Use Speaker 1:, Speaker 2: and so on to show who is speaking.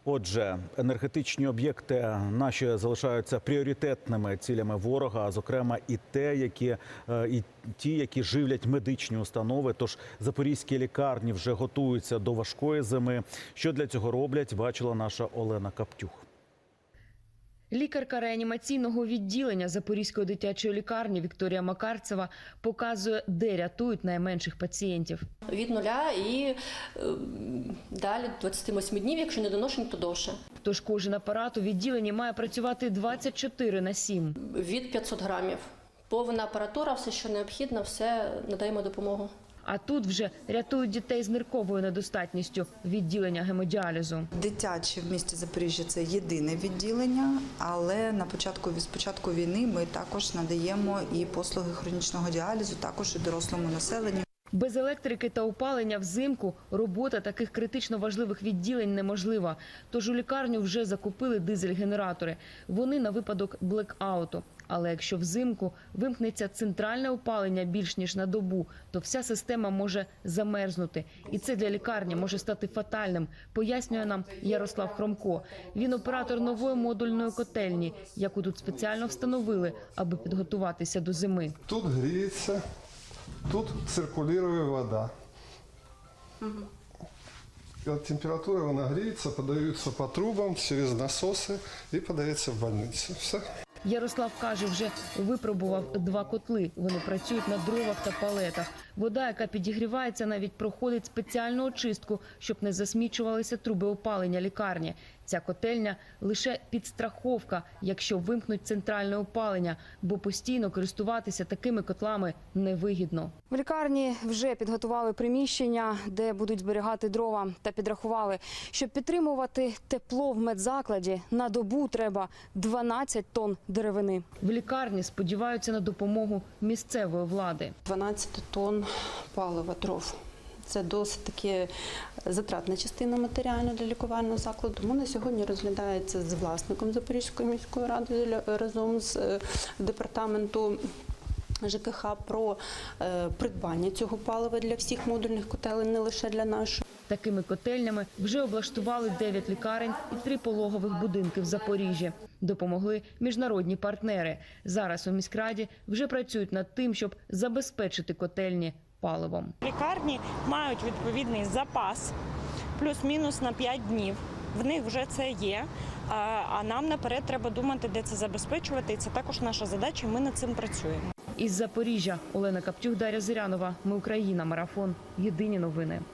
Speaker 1: Отже, енергетичні об'єкти наші залишаються пріоритетними цілями ворога, зокрема і ті, які живлять медичні установи. Тож запорізькі лікарні вже готуються до важкої зими. Що для цього роблять, бачила наша Олена Каптюх.
Speaker 2: Лікарка реанімаційного відділення Запорізької дитячої лікарні Вікторія Макарцева показує, де рятують найменших пацієнтів.
Speaker 3: Від 0 і далі 28 днів, якщо не доношень, то довше.
Speaker 2: Тож кожен апарат у відділенні має працювати 24/7.
Speaker 3: Від 500 грамів. Повна апаратура, все, що необхідно, все надаємо допомогу.
Speaker 2: А тут вже рятують дітей з нирковою недостатністю відділення гемодіалізу.
Speaker 4: Дитяче в місті Запоріжжя – це єдине відділення, але з початку війни ми також надаємо і послуги хронічного діалізу, також і дорослому населенню.
Speaker 2: Без електрики та опалення взимку робота таких критично важливих відділень неможлива. Тож у лікарню вже закупили дизель-генератори. Вони на випадок блекауту. Але якщо взимку вимкнеться центральне опалення більш ніж на добу, то вся система може замерзнути. І це для лікарні може стати фатальним, пояснює нам Ярослав Хромко. Він оператор нової модульної котельні, яку тут спеціально встановили, аби підготуватися до зими.
Speaker 5: Тут гріється, тут циркулює вода. От температура вона гріється, подається по трубам через насоси і подається в больницю. Все.
Speaker 2: Ярослав каже, вже випробував 2 котли. Вони працюють на дровах та палетах. Вода, яка підігрівається, навіть проходить спеціальну очистку, щоб не засмічувалися труби опалення лікарні. Ця котельня – лише підстраховка, якщо вимкнуть центральне опалення, бо постійно користуватися такими котлами невигідно.
Speaker 6: В лікарні вже підготували приміщення, де будуть зберігати дрова, та підрахували, щоб підтримувати тепло в медзакладі, на добу треба 12 тонн деревини.
Speaker 2: В лікарні сподіваються на допомогу місцевої влади.
Speaker 7: 12 тонн палива, дров. Це досить таки затратна частина матеріальна для лікувального закладу. Тому на сьогодні розглядається з власником Запорізької міської ради разом з департаменту ЖКХ про придбання цього палива для всіх модульних котелень, не лише для нашої.
Speaker 2: Такими котельнями вже облаштували 9 лікарень і 3 пологових будинки в Запоріжжі. Допомогли міжнародні партнери. Зараз у міськраді вже працюють над тим, щоб забезпечити котельні паливом.
Speaker 8: Лікарні мають відповідний запас, плюс-мінус на 5 днів. В них вже це є, а нам наперед треба думати, де це забезпечувати. І це також наша задача, і ми над цим працюємо.
Speaker 2: Із Запоріжжя Олена Каптюх, Дар'я Зирянова. Ми Україна. Марафон. Єдині новини.